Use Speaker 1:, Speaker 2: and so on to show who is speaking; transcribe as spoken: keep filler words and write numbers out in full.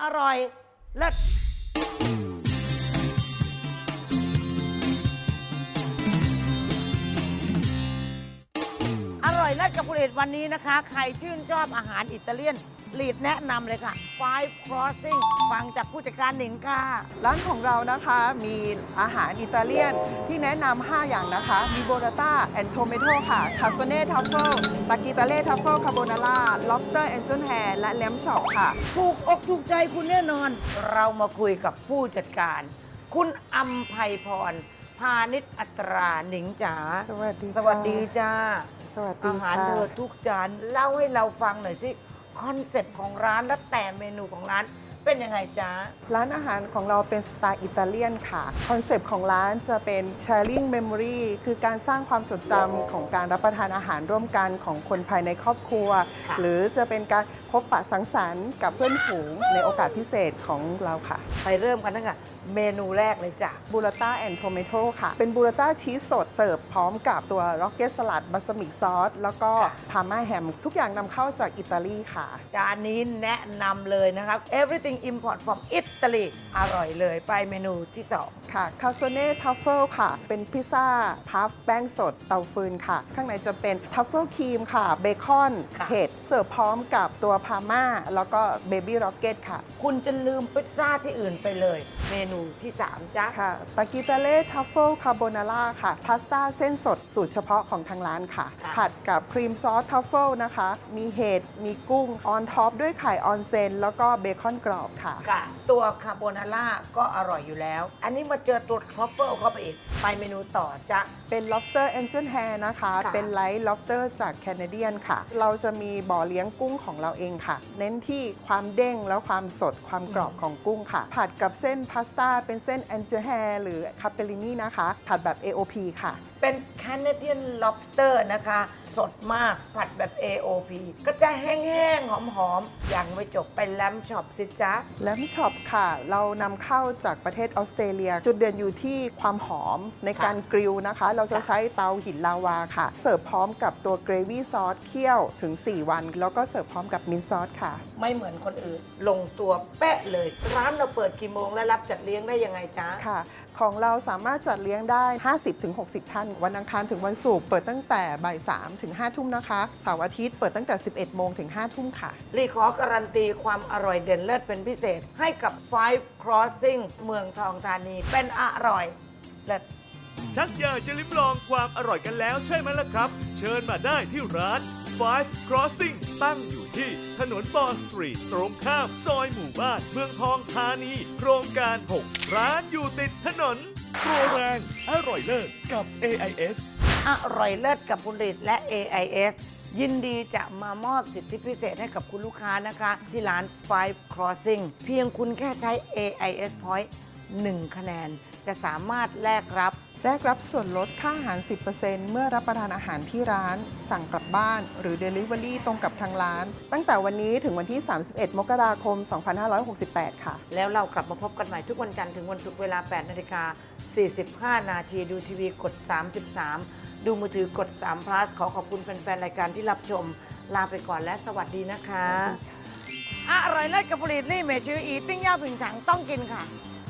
Speaker 1: อร่อยเลิศอร่อยเลิศกับผลิตวันนี้นะคะ ใครชื่นชอบอาหารอิตาเลียนลีดแนะนำเลยค่ะ Five Crossing ฟังจากผู้จัดการหนิงค่ะ
Speaker 2: ร้านของเรานะคะมีอาหารอิตาเลียนที่แนะนำ ห้า อย่างนะคะ มีโบราต้าแอนโทเมโตค่ะคาโซเน่ทัฟเฟิลตากิตาเล่ทัฟเฟิลคาโบนาร่าล็อบสเตอร์แอนเจิลแฮร์และแลมช็อปค่ะ
Speaker 1: ถูกอกถูกใจคุณแน่นอน เรามาคุยกับผู้จัดการ คุณอัมไพพร พาณิชอัตราหนิงจ๋า
Speaker 2: สวัสดีค่ะ
Speaker 1: สวัสดีจ้า
Speaker 2: สวัสดี
Speaker 1: อาหาร
Speaker 2: ค่ะ
Speaker 1: เธอทุกจานเล่าให้เราฟังหน่อยสิ คอนเซ็ปต์ของร้านและแต่เมนูของร้านเป็นยังไงจ๊ะ
Speaker 2: ร้านอาหารของเราเป็นสไตล์อิตาเลียนค่ะ คอนเซปต์ของร้านจะเป็น sharing memory คือการสร้างความจดจำของการรับประทานอาหารร่วมกันของคนภายในครอบครัว
Speaker 1: ค่ะ
Speaker 2: หรือจะเป็นการพบปะสังสรรค์กับเพื่อนฝูงในโอกาสพิเศษของเราค่ะ
Speaker 1: ไปเริ่มกันตั้งแต่เมนูแรกเลยจ้ะ
Speaker 2: บูราต้าแอนโทเมโตค่ะ เป็นบูราต้าชีสสดเสิร์ฟพร้อมกับตัวร็อกเก็ตสลัดบัสมิกซอสแล้วก็
Speaker 1: ค่ะ
Speaker 2: พาม่าแฮมทุกอย่างนำเข้าจากอิตาลีค่ะ
Speaker 1: จานนี้แนะนำเลยนะครับ everything import from Italy อร่อยเลยไปเมนูที่สอง
Speaker 2: ค่ะคาโซเน่ทัฟเฟิลค่ะ เป็นพิซซ่าพัฟแป้งสดเตาฟืนค่ะ ข้างในจะเป็นทัฟเฟิลครีมค่ะ เบคอน
Speaker 1: ค่ะ
Speaker 2: เห็ดเสิร์ฟพร้อมกับตัวพาม่าแล้วก็เบบี้ร็อกเก็ตค่ะ
Speaker 1: คุณจะลืมพิซซ่าที่อื่นไปเลย เมนูที่สามจ้ะ
Speaker 2: ค่ะตากิตาเล่ทัฟเฟิลคาโบนาร่าค่ะ พาสต้าเส้นสดสูตรเฉพาะของทางร้านค่ะ
Speaker 1: ค่ะ
Speaker 2: ผัดกับครีมซอสทัฟเฟิลนะคะ มีเห็ด มีกุ้ง ออนท็อปด้วยไข่ออนเซน แล้วก็เบคอนกรอบค่ะ
Speaker 1: กะตัวคาโบนาร่าก็อร่อยอยู่แล้ว อันนี้มาเจอตัวทรัฟเฟิลเข้าไปอีก ไปเมนูต่อจ้ะ
Speaker 2: เป็น lobster angel hair นะคะ
Speaker 1: ค่ะ
Speaker 2: เป็นไลท์ lobster จากแคนาเดียนค่ะ เราจะมีบ่อเลี้ยงกุ้งของเราเองค่ะ เน้นที่ความเด้งแล้วความสดความกรอบของกุ้งค่ะ ผัดกับเส้นพาสต้าเป็นเส้น angel hair หรือ capellini นะคะ ผัดแบบ เอ โอ พี ค่ะ
Speaker 1: เป็น Canadian lobster นะคะ สดมากผัดแบบ เอ โอ พี ก็จะแห้งๆ หอมๆ ยังไม่จบไปแลมช็อปสิจ๊ะ
Speaker 2: แลมช็อปค่ะ เรานำเข้าจากประเทศออสเตรเลีย จุดเด่นอยู่ที่ความหอมในการกริลนะคะ เราจะใช้เตาหินลาวาค่ะ เสิร์ฟพร้อมกับตัวเกรวี่ซอสเคี่ยวถึง สี่ วัน แล้วก็เสิร์ฟพร้อมกับมินท์ซอสค่ะ
Speaker 1: ไม่เหมือนคนอื่น ลงตัวเป๊ะเลย ร้านเราเปิดกี่โมงและรับจัดเลี้ยงได้ยังไงจ๊ะ
Speaker 2: ค่ะ ของเราสามารถจัดเลี้ยงได้ ห้าสิบถึงหกสิบ ท่าน วันอังคารถึงวันศุกร์เปิดตั้งแต่บ่ายสามถึงห้าทุ่มนะคะ เสาร์อาทิตย์เปิดตั้งแต่ สิบเอ็ดโมงถึงห้าทุ่มค่ะ
Speaker 1: รีขอการันตีความอร่อยเด่นเลิศเป็นพิเศษ ให้กับ Five Crossing เมืองทองธานีเป็นอร่อยเลิศ
Speaker 3: ชักอยากจะลิ้มลองความอร่อยกันแล้วใช่ไหมล่ะครับ เชิญมาได้ที่ร้าน Five Crossing ตั้งอยู่ที่ถนนบอสตรีทตรงข้ามซอยหมู่บ้าน เมืองทองธานี โครงการ หก ร้านอยู่ติดถนนโปรแรงอร่อยเลิศกับ เอ ไอ เอส
Speaker 1: อร่อยเลิศกับผลิตและ เอ ไอ เอส ยินดีจะมามอบสิทธิพิเศษให้กับคุณลูกค้านะคะ ที่ร้าน Five Crossing เพียงคุณแค่ใช้ เอ ไอ เอส Point หนึ่ง คะแนน จะสามารถแลกรับ
Speaker 2: แรกรับส่วนลดค่าอาหาร สิบเปอร์เซ็นต์ เมื่อรับประทานอาหารที่ร้าน สั่งกลับบ้าน หรือ Delivery ตรงกับทางร้าน ตั้งแต่วันนี้ถึงวันที่ สามสิบเอ็ด มกราคม สองพันห้าร้อยหกสิบแปด ค่ะ
Speaker 1: แล้วเรากลับมาพบกันใหม่ทุกวันจันทร์ถึงวันศุกร์เวลา แปดนาฬิกาสี่สิบห้า นาที ดูทีวีกด สามสิบสาม ดูมือถือกด สาม plus ขอขอบคุณแฟน ๆ รายการที่รับชม ลาไปก่อนและสวัสดีนะคะ อร่อยเลิศกับผลิตลี่เมชื่ออีติ้งย่าผิงฉังต้องกินค่ะ